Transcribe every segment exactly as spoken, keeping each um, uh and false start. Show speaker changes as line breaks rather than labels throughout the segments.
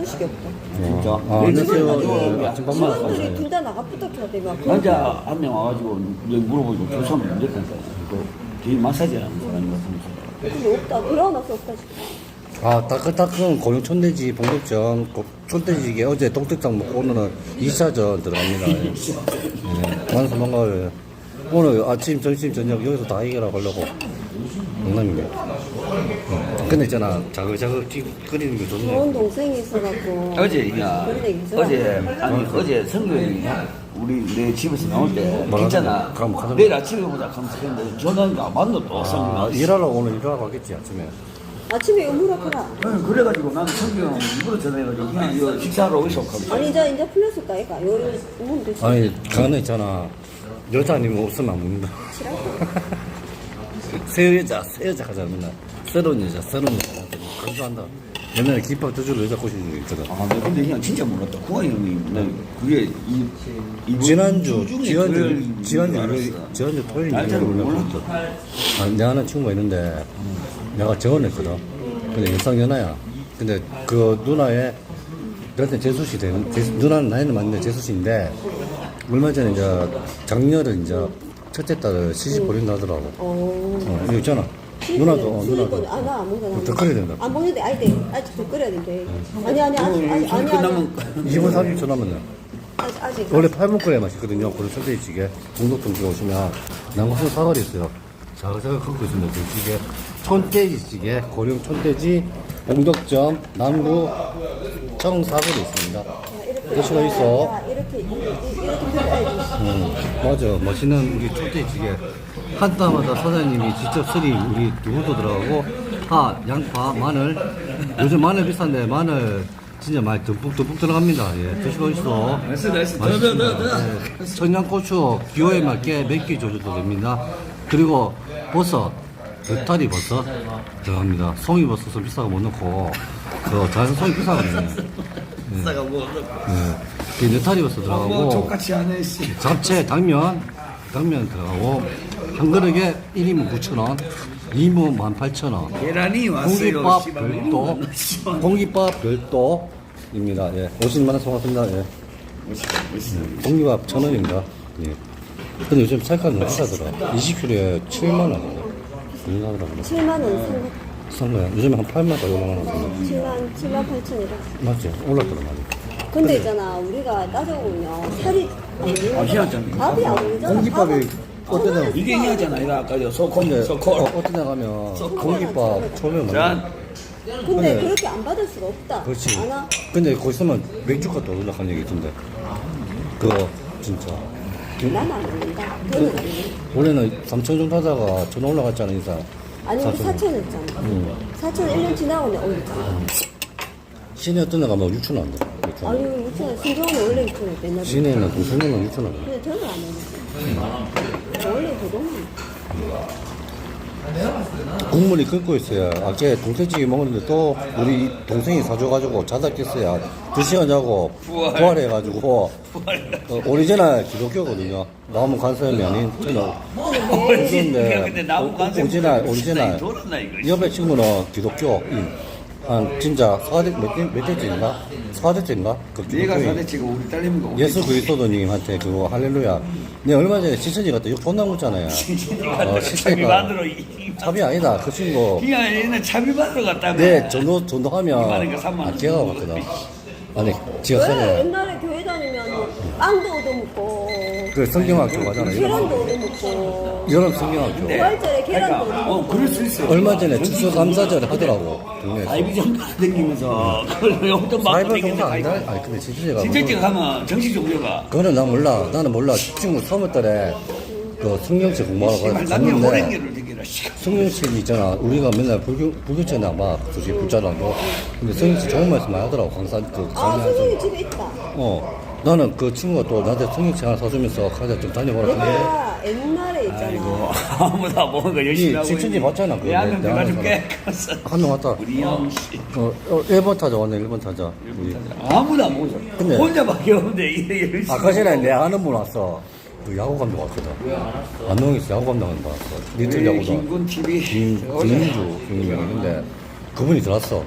식이 없다.
진짜.
아, 안녕하세요. 아침 밥 먹었어요.
직원들이 둘 다 나가부터 해야 되면
남자 한 명 와가지고 이제 물어보고 조사하면 안 됐다니까. 그 뒤에 마사지 하는 사람이 같으면서.
근데 없다. 그러나서 없다 지금.
아, 따끈따끈 고용 촌돼지 봉덕전, 고- 촌돼지게 어제 동택장 먹고 오늘은 이 차전 들어갑니다. 예. 예. 만수 뭔가를 오늘 아침, 점심, 저녁 여기서 다 해결하고 하려고. 농담이네. 예. 근데 있잖아, 자글자글 찌- 끓이는 게 좋네.
좋은 동생이 있어갖고.
어제, 야,
그런 얘기 있잖아.
어제, 아니, 어제 성경이 우리 내 집에서 나올 때,
뭐라고?
괜찮아.
그럼 가자.
내일 아침에 보자. 하면서 했는데, 전화가 맞노 또,
아,
성경이.
일하러 오늘 일하러 가겠지, 아침에.
아침에 음무라 크라.
응, 그래가지고 나는 성경 일부러 전화해가지고, 그냥 이거 식사하러 오이소. 하면서.
아니 이제 이제 풀렸을까 얘가. 요리 오면 되지.
아니, 가는 있잖아. 여자 아니면 없으면 안 먹는다.
싫어?
새 여자, 새 여자 하자, 맨날. 새로운 여자, 새로운 여자. 강조한다. 옛날에 김밥 두줄 여자 꼬시는 거 있거든.
아, 나 근데 그냥 진짜 몰랐다. 구한이 형이, 나 그게 이, 이번
지난주,
주 중에
지난주,
토요일인
지난주,
줄
일요일,
알았어.
지난주 토요일
날짜를
일요일
몰랐어.
몰랐어. 아, 내가 아는 친구가 있는데, 내가 재혼했거든. 근데 일상 연하야. 근데 그 누나의, 그때 재수씨 되는, 재수, 누나는 나이는 맞는데 재수씨인데, 얼마 전에 이제 작년에 이제 첫째 딸을 시집 보낸다 하더라고.
어.
어, 이거 있잖아. 누나도, 어, 누나도.
아, 나 안 먹는다.
더 끓여야 된다.
안 먹는데, 아니, 돼. 아직 더 끓여야 된대. 아니, 아니, 아직, 아직, 아니, 아니.
이십 분 삼십 초 남았네.
아직, 아직.
원래 팔 분 끓여야 맛있거든요. 고른 촌돼지찌개. 중독동 들어오시면 남고수 사거리 있어요. 자글자글 걷고 있습니다. 그 찌개. 촌돼지찌개, 고령 촌돼지, 봉덕점, 남구, 청사거리 있습니다. 드시고 있어.
야, 이렇게, 이렇게, 이렇게 끓여야지.
음, 맞아. 멋있는 우리 촌돼지찌개. 한 따마다 사장님이 직접 쓰리 우리 두부도 들어가고, 파, 양파, 마늘. 요즘 마늘 비싼데 마늘 진짜 많이 듬뿍듬뿍 들어갑니다. 예, 드시고 있어.
나이스, 나이스. 더,
맛있습니다.
더, 더, 더.
예, 청양고추 기호에 맞게 몇 개 줘도 됩니다. 그리고 버섯, 느타리 버섯 들어갑니다. 송이버섯은 비싸고 못 넣고, 그 자연 송이 비싸거든요.
싸가 뭐,
예, 그 느타리 버섯
뭐,
들어가고,
족같이 하네, 씨.
잡채, 당면, 당면 들어가고, 한 그릇에 일 인분 구천 원, 이 인분 만 팔천 원.
계란이 왔어요.
공깃밥
씨발.
별도, 공깃밥 별도입니다. 예, 오십만 원 송았습니다. 예.
멋있다, 멋있다.
공깃밥 천 원입니다. 예. 근데 요즘 살값 너무 비싸더라. 이십 킬로에 칠만 원이네. 얼마더라고요.
칠만 원 산 거.
싼 거야. 요즘에 한 팔만 원, 오만 원.
칠만, 칠만 팔천이라.
맞지? 올랐더라, 많이.
근데 있잖아, 우리가 따져보면 살이 안
아, 희한하잖아.
밥이 안 오르잖아.
공깃밥이
밥은
어떤 애,
이게 얘기하잖아, 이거 아까 저 소콜,
근데, 어,
소콜.
어떤 애 가면 공깃밥 처음에 많이.
자,
근데
근데-
그렇게 안 받을 수가 없다.
그렇지.
안 와?
근데 거기 있으면 맥주값도 올라간 얘기 있던데. 그거, 진짜.
나는 안 먹는다. 걔는 안 먹는다.
원래는 삼천 정도 하다가 전 올라갔잖아, 인사.
아니, 우리
사천.
사천 했잖아.
응.
사천 일 년 지나고 내가 올렸잖아.
시내 어떤 애 가면 육천 원 한대. 육천 원.
아니, 육천 신경은 원래 육천 원 맨날.
시내에는 동생은 육천 원.
근데 저는 안 먹었어. 원래 그거는.
국물이 끓고 있어요. 아까 동태찌개 먹었는데 또 우리 동생이 사줘가지고 자다 깼어요. 두 시간 자고
부활.
부활해가지고 어, 오리지널 기독교거든요. 나오면 간섭이 아닌 저는
근데, 근데 나무 간섭
오리지널 오리지널
돌았나, 이거.
옆에 친구는 기독교인. 한 진짜 사대 몇 대째인가? 사대째인가? 그
네가
기독교인.
사대치고 우리 딸내미가 우리
예수 그리스도님한테 그거 할렐루야. 내 얼마 전에 시천이 갔다 이거 존나 묻잖아요. 어,
차비
시천이가
받으러 이-
차비 아니다. 그 친구
그냥 얘는 차비 받으러 갔다고.
네, 전도, 전도하면,
이만한 거 삼만
아,
원.
기가 막거든. 아니, 지가
왜
써네.
옛날에 교회 다니면 뭐 빵도 얻어먹고,
그 성경학교 가잖아.
계란도 얻어먹고,
여름 성경학교.
부활절에 계란도
그러니까, 어,
얻어먹고.
그럴 수 있어.
얼마 전에 추수감사절 하더라고. 동네에서.
아이비전 다니면서 그걸 용돈 받고
사이버
다니는
동사 아니다?
아이고.
아니, 근데 진짜가.
진짜찍 가면 정식 종료가.
그거는 난 몰라. 나는 몰라. 친구 삼월 달에 그 성경책 공부하러
씨발,
가서
남녀
갔는데,
호랭이를 되기라. 씨.
성경책이 있잖아. 우리가 맨날 불교, 불교책 나봐. 솔직히 불자라도. 근데 성경책 좋은 말씀 많이 하더라고. 강사, 그,
아,
강의하면서.
선생님 집에 있다.
어. 나는 그 친구가 또 나한테 성경책 하나 사주면서 가자 좀 다녀보라. 근데
내가 옛날에 있잖아.
아이고 아무도 안 먹은 거 열심히
이
하고.
칠천지 봤잖아, 그거.
내한명
내가
내가 줄게.
한 명 왔다.
우리 형 씨.
어, 어, 일 번 타자 왔네, 일 번 타자. 우리.
아무도 안 먹었어.
근데-
혼자밖에 없는데 이래 열심히.
아까 전에 내 아는 분 왔어. 그 야구 감독 왔거든. 안동에서 야구 감독한 분 왔어. 리틀
우리
야구도.
김군 티비.
김, 김민주 형님이 있는데 그분이 들어왔어.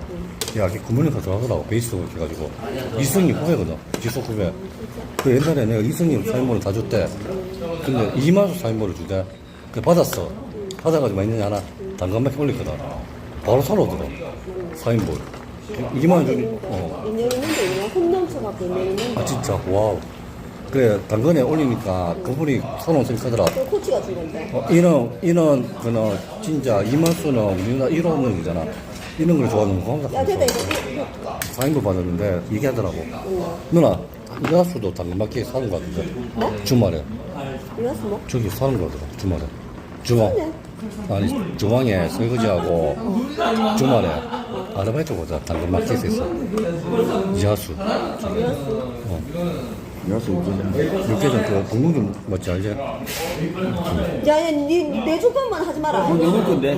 야, 이게 구멍에서 들어가더라고. 베이스로 이렇게 해가지고. 이승님 후배거든. 지속 후배. 그 옛날에 내가 이승님 사인본을 다 줬대. 근데 이만수 사인본을 주대. 그 받았어. 받아가지고 많이 하나 당근밖에 올렸거든. 바로 사러 오더라. 사인본. 이만 원 좀, 어.
인연 있는데 그냥 홈 넘쳐갖고 인연 있는데
아, 진짜. 와우. 그래, 당근에 올리니까 그분이 사놓은 생각하더라.
그 코치가 준 건데
어, 이런, 이런, 그는, 진짜, 이만수는 우리나라 일 호는이잖아. 이런 걸 좋아하는 거 항상.
야 됐다 이거 이거
사인도 받았는데, 얘기하더라고.
응.
누나, 이하수도 당근마켓 사는 거 같은데?
뭐?
주말에.
이거스 뭐?
저기 사는 거 같더라, 주말에. 주말. 아니, 중앙에 설거지하고, 주말에 아르바이트 보자. 당근마켓에서. 이하수. 어.
여수 육개장.
육개장 그 공동점 맞지, 알지?
야야 니내 조건만 하지 마라
어, 너무 건데?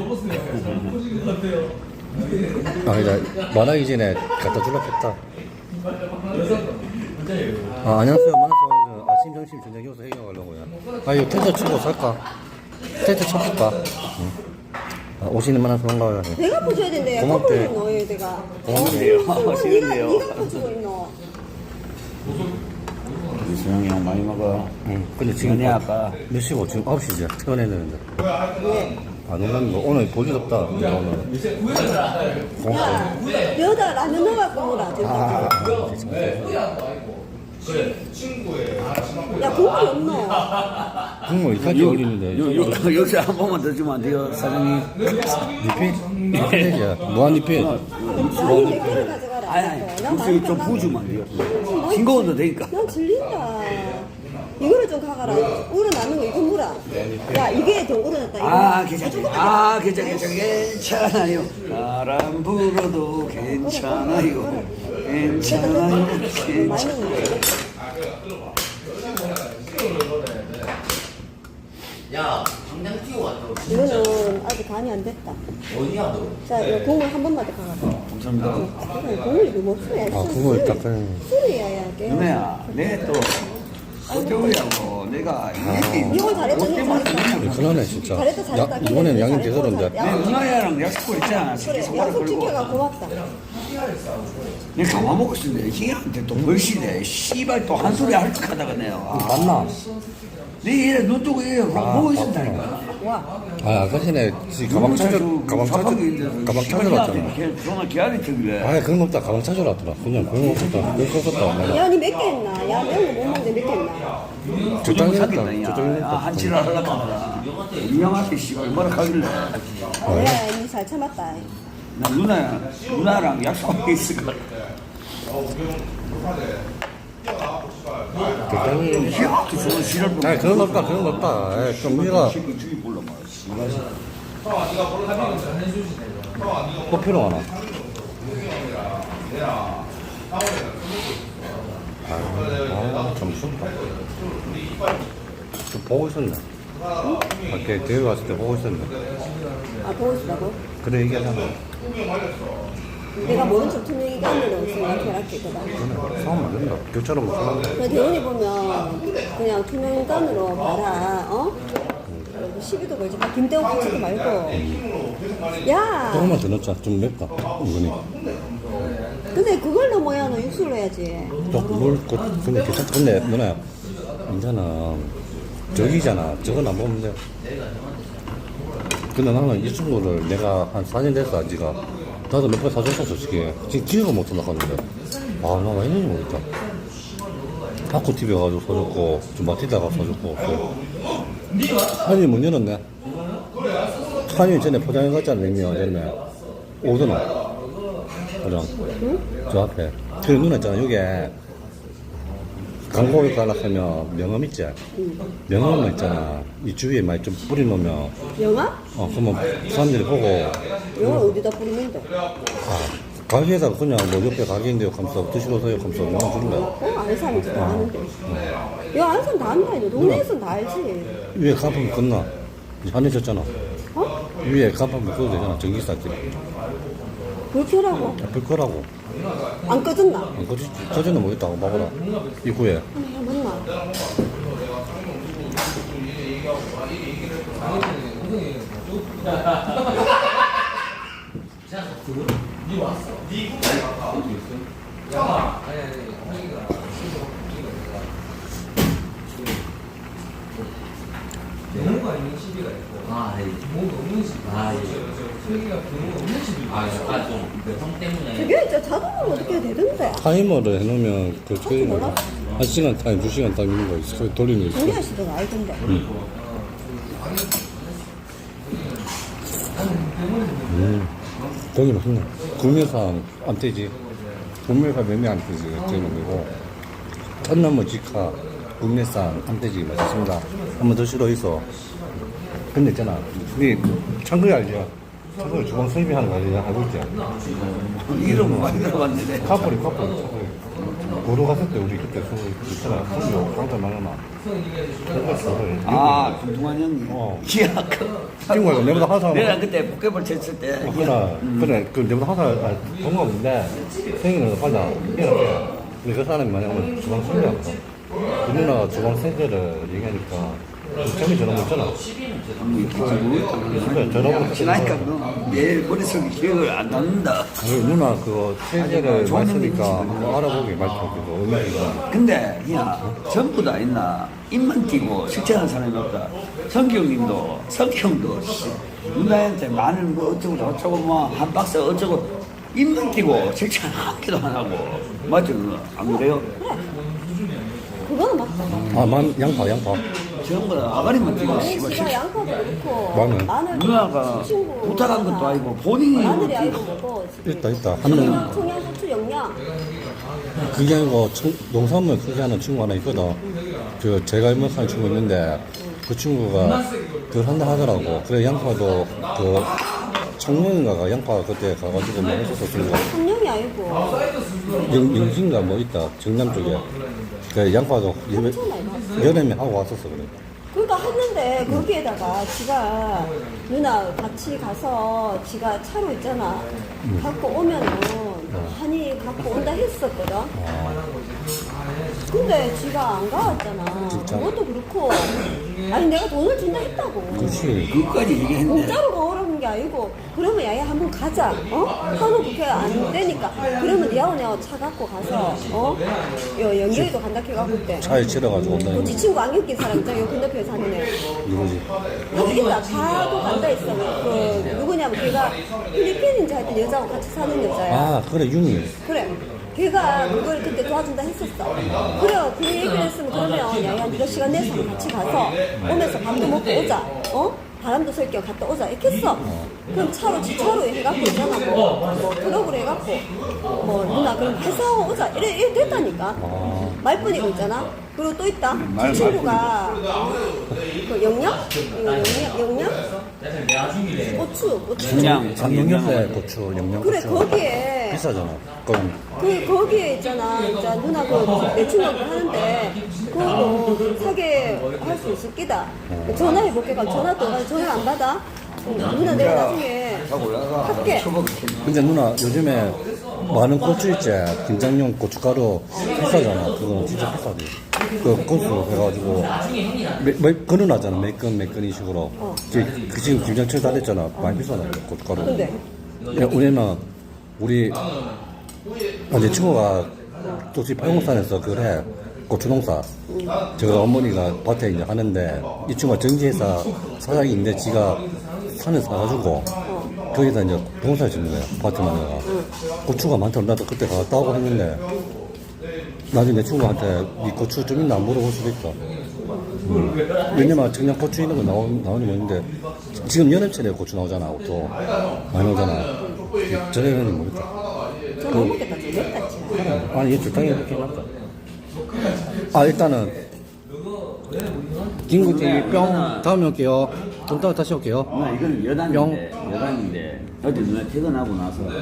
아니다, 말하기 전에 갖다 줄라 했다. 아, 안녕하세요. 만나서 아침, 점심, 저녁 여기서 해결하려고요. 아, 이거 텐트 치고 살까? 텐트 쳐볼까? 응. 아, 오시는 만나서 반가워요.
내가 포줘야 된대
고맙대.
커플 넣어야 내가
고맙네요.
니가
싫은데요.
니가 포주고 있노
이수영이 형 많이 먹어.
응. 근데 지금
연애 아빠.
몇 시고? 지금 아홉 시지? 퇴근해야 되는데.
왜?
안 온다는 거. 오늘 볼 일 없다. 내가 오늘. 고맙다.
야 여기다가 라면 넣어갖고 먹어라 저기
아,
야 국물이 없노
국물 이까지 올리는데.
요, 요, 여기서 한 번만 더 주면 안 돼요, 사장님?
리필? 리필이야. 무한 리필.
아니 몇 개를 가져가라
아니, 아니,
난
국수
많이
좀
깎아.
부어주면 안 돼요?
뭐
싱거워도 되니까.
난 질린다 이거를 좀 가가라 우러나는 거 이거 물어 야 이게 더 우러났다 이거
아, 괜찮아요. 아, 괜찮아, 괜찮아, 괜찮아요. 바람 불어도 괜찮아요. 괜찮아요.
많이
괜찮아요.
넣는데
야, 당장 뛰어왔다.
이거는 아직 간이 안 됐다
어디야, 너?
자 이거 국물 한 번만 더 가가라
감사합니다.
그래, 국물이 너무 없어야
아, 국물 딱 그냥.
술이야 야 걔.
누나야, 내 또, 호텔이하고 내가,
이건 잘했다 이건 잘했다
그러네, 진짜.
잘했다, 잘했다.
야, 이번엔 양이
잘했다,
대서인데.
잘했다.
내 누나야랑 약속을 했잖아. 새끼
그래
손가락
약속
걸고.
지켜가 고맙다
내가 가만 먹고 있었는데, 희한한테 또 벌시네. 씨발 또 한 소리 할 척 하다가 내가. 아,
맞나?
내 이래 눈 뜨고 이래 보고 있었다니까.
와
아, 아까 전에 지 가방 찾으, 가방 찾으, 가방 찾으러 왔잖아.
전화 기다리 들길래.
아, 그런 거 없다. 가방 찾으러 왔더라. 그냥 그런 거 없었다. 그럴 거 없었다. 내가.
야, 니 몇 개 했나? 야, 매운 거 못 먹는데 몇 개 했나?
적당히 했다.
사귀었다,
적당히
야.
했다.
아, 한치를 하려고 하더라. 유명하게 씨발 뭐라 하길래.
야, 니 잘 참았다.
나 누나, 누나랑 약속하고 있을까.
적당히.
희한하게 저는 지랄 보고.
아, 그런 거 없다. 그런 거 없다. 에, 좀 우리가
새끼 죽이 몰라 말이야.
꼭 필요하나? 아, 좀 춥다. 좀 보고 있었네. 밖에 대회 갔을 때 보고 있었네.
아, 보고 싶다고?
그래 얘기하잖아.
내가 모른 척 투명이가 있는 없으면 결합했거든.
그래, 싸우면 안 된다. 교차로 못 싸우는
그래, 대원이 보면 그냥 투명인간으로 봐라, 어? 그리고 시비도 걸지 마. 김대호 붙이지 말고. 야!
조금만 더 넣자. 좀 맵다. 이거니.
근데 그걸로 뭐야, 너 육수를 해야지.
또 그걸 그 근데 괜찮다. 근데 누나야, 이제는 저기잖아. 저건 안 먹으면 돼. 근데 나는 이 친구를 내가 한 사 년 됐어, 아지가. 나도 몇 번 사줬어, 솔직히. 지금 기억을 못 나가는데. 아, 나 왜 했는지 모르겠다. 바쿠티비 가가지고 사줬고, 좀 마티다가 사줬고. 한일 문 열었네. 한일 전에 포장해갔잖아, 냉면, 옛날에. 오더나. 포장. 저 앞에. 그 누나 있잖아, 요게. 광고에 가락하면 명함 있지? 명함만 있잖아. 이 주위에 많이 좀 뿌려놓으면,
영화?
어, 그러면 사람들이 보고,
영화 어디다 뿌리는데?
아, 가게에다가 그냥 뭐 옆에 가게인데요 하면서 드시러 오세요 하면서 명함 주는 거야.
어, 아는 사람이 다 아는데. 야, 아는 사람 다 안다, 이거. 동네에서는 다 알지.
위에 간판 끝나. 한해졌잖아.
어?
위에 간판 묶어도 되잖아. 전기사지.
그렇게 하라고.
불 거라고.
안 꺼졌나?
안 꺼지, 꺼지는 모르겠다고 봐보라. 이후에.
아, 맞나?
경우가 있는 시비가 있고
아, 예.
경우가 없는 시비.
아, 예.
저기가 경우가 없는 시비.
아, 약간 좀그형 때문에.
저게 진짜 자동으로 어떻게 되던데?
타이머를 해놓으면 그
자꾸
게임
몰라?
한 시간 타임, 두 시간 타임 있는 거 있어. 그거 돌리는 거 있어.
우리 아씨도 알던데.
음, 거기 맛있네. 구매상 암태지. 구매가 몇매 암태지. 제놈이고. 천나무 직화, 구매상 암태지 맛있습니다. 한번 드시러 있어. 근데 있잖아. 우리 창거리 알죠? 창거리 주방 설비하는 거 알죠? 알고 있지?
이름 많이 들어봤는데.
카프리, 카프리, 카프리. 고도 갔을 때 우리 그때 그 있잖아. 선교 강사 많아나.
아, 김동환 형님.
어.
기억.
친구가 내보다 한 사람.
내가 그때 포켓볼 쳤을 때.
어, 그래, 그래, 그 내보다 한 살, 아, 동갑인데, 생일을 하자. 이렇게. 근데 그 사람이 만약 오늘 주방 설비하거든. 그 누나가 주방 세제를 얘기하니까, 재미 저런 거 있잖아. 그래, 저런 거
지나니까
있잖아.
너 내일 머릿속에 기억을 안 남는다.
아니, 누나 그거 세제를
좋은
많이 쓰니까
얘기지.
한번 알아보게 말투하고 얼마인가.
근데 야 전부 다 있나 입만 띄고 실천하는 사람이 없다. 성경님도 성경도 씨, 누나한테 마늘 뭐 어쩌고 저쩌고 뭐 한 박스 어쩌고 입만 띄고 실천 한 개도 안 하고 맞죠? 그거? 안 그래요?
그거는 맞다.
아, 만, 양파, 양파.
전부 다 아가리만 띄고
아니,
씨발
씨가 양파도 그렇고.
마늘.
마늘.
누나가
친구
부탁한 것도 아니고 본인이
마늘이
이렇게
아니고 뭐고. 지금.
있다, 있다. 한 명,
청양고추 영양.
그게 아니고 청- 농산물 크게 하는 친구 하나 있거든. 그 제가 일목하는 친구 있는데 그 친구가 그걸 한다 하더라고. 그래 양파도 그 청년인가가 양파 그때 가가지고 먹었었어 친구가.
청량이 아니고.
영, 영신가 뭐 있다 정남 쪽에. 그 양파도 예배,
엄청 많이 봤어.
여름에 하고 왔었어 그래.
그러니까 했는데 거기에다가 지가 누나 같이 가서 지가 차로 있잖아. 갖고 오면은 한이 갖고 온다 했었거든. 근데 지가 안 가왔잖아.
진짜?
그것도 그렇고. 아니 내가 돈을 준다 했다고.
그렇지.
그것까지 얘기했네.
공짜로 가오라는 게 아니고 그러면 야야 한번 가자. 어? 하루 그렇게 안 되니까. 그러면 니하고 내가 차 갖고 가서 어? 여, 연결이도 간다 해갖고 그때.
차에 치러가지고 온다는
지
거.
친구 안경 낀 사람 있잖아. 여기 건너편에 사는 애.
누구지?
여기 있다. 가도 간다 했어. 그 누구냐면 걔가 필리핀인지 하여튼 여자하고 같이 사는 여자야.
아 그래 윤이.
그래. 걔가 그걸 그때 도와준다 했었어. 그래, 그 얘기를 했으면 그러면 야야 네가 시간 내서 같이 가서 오면서 밥도 먹고 오자. 어? 바람도 쐴 겸 갔다 오자. 이렇게 했어. 그럼 차로 지차로 해갖고 있잖아. 뭐, 뭐 트럭으로 해갖고 뭐 누나 그럼 회사하고 오자. 이래, 이래 됐다니까. 말뿐이고 있잖아. 그리고 또 있다. 그 친구가 그 영양? 이거 영양? 영양? 고추, 고추.
그냥
장영엽에 고추, 영양
그래,
고추.
거기에
비싸잖아. 그럼
그 거기에 있잖아. 진짜 누나 그내 친구가 하는데 그거 사게 할 수 있을 끼다. 전화해 볼게. 그럼 전화 또 가- 전화 안 받아? 응, 누나 내가 나중에 할게.
근데 누나 요즘에 많은 고추 있지 김장용 고춧가루 비싸잖아. 그거는 진짜 비싸지. 그 고수 해가지고 매, 매, 끊어놨잖아. 매끈 매끈 이 식으로. 그, 그 지금 김장철 다 됐잖아. 많이 비싸다 고춧가루.
근데
야, 우리는 우리 아, 내 친구가 또지 팔공산에서 그래 고추농사. 제가 어머니가 밭에 이제 하는데 이 친구가 정지회사 사장인데 지가 산에 사가지고 거기다 이제 농사를 짓는 거야. 밭에 만나가 고추가 많다고 나도 그때 갔다 오고 했는데 나중에 내 친구한테 이 고추 좀 있나 물어볼 수도 있어. 음. 왜냐면 청양 고추 있는 거 나오, 나오는 거 있는데 지금 여름철에 고추 나오잖아. 또 많이 나오잖아. 저녁에는 모르겠다.
저 못 먹겠다. 저 맵다 진짜.
아니 이게 적당히 이렇게 해놨다. 아 일단은 김구찌 뿅 다음에 올게요. 좀 따라 다시 올게요.
누나 이거는 여단인데 여단인데 어제 누나 퇴근하고 나서